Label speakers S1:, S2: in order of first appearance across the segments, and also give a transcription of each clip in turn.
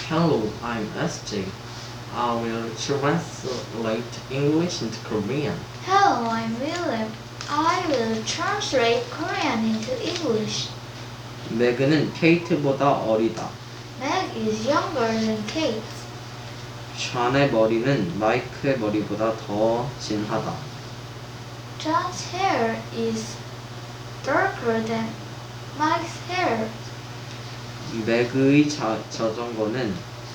S1: Hello, I'm SJ. I will translate English into Korean.
S2: Hello, I'm William. I will translate Korean into English.
S1: 맥은 케이트보다 어리다.
S2: Meg is younger than Kate.
S1: 존의 머리는 마이크의 머리보다 더 진하다.
S2: John's hair is darker than Mike's hair.
S1: 맥의 자전거는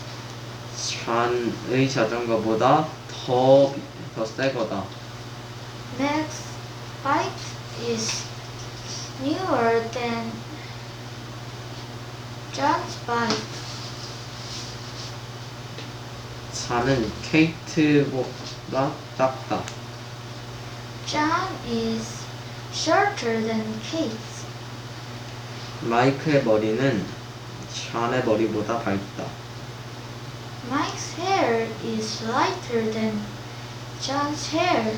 S1: 존의 자전거보다 더 새 거다.
S2: Meg's bike is newer than John's bike.
S1: 잔은 케이트보다 작다.
S2: John is shorter than Kate.
S1: 마이크의 머리는 존의 머리보다 밝다.
S2: Mike's hair is lighter than John's hair.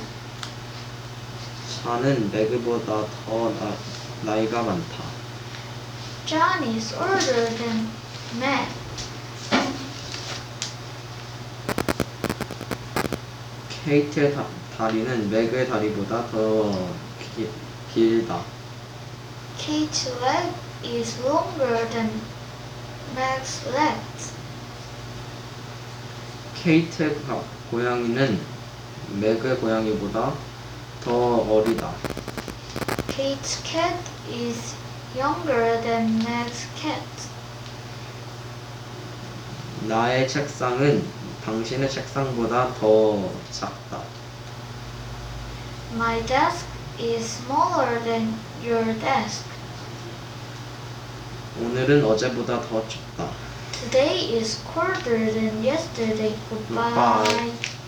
S1: 존은 맥보다 더 나이가 많다.
S2: John is older than Meg.
S1: 케이트의 다리는 맥의 다리보다 더 길다.
S2: Kate's leg is longer than Meg's legs.
S1: 케이트의 고양이는 맥의 고양이보다 더 어리다.
S2: Kate's cat is younger than Meg's cat.
S1: 나의 책상은 당신의 책상보다 더 작다.
S2: My desk is smaller than your desk.
S1: 오늘은 어제보다 더 춥다.
S2: Today is colder than yesterday. Goodbye.
S1: Goodbye.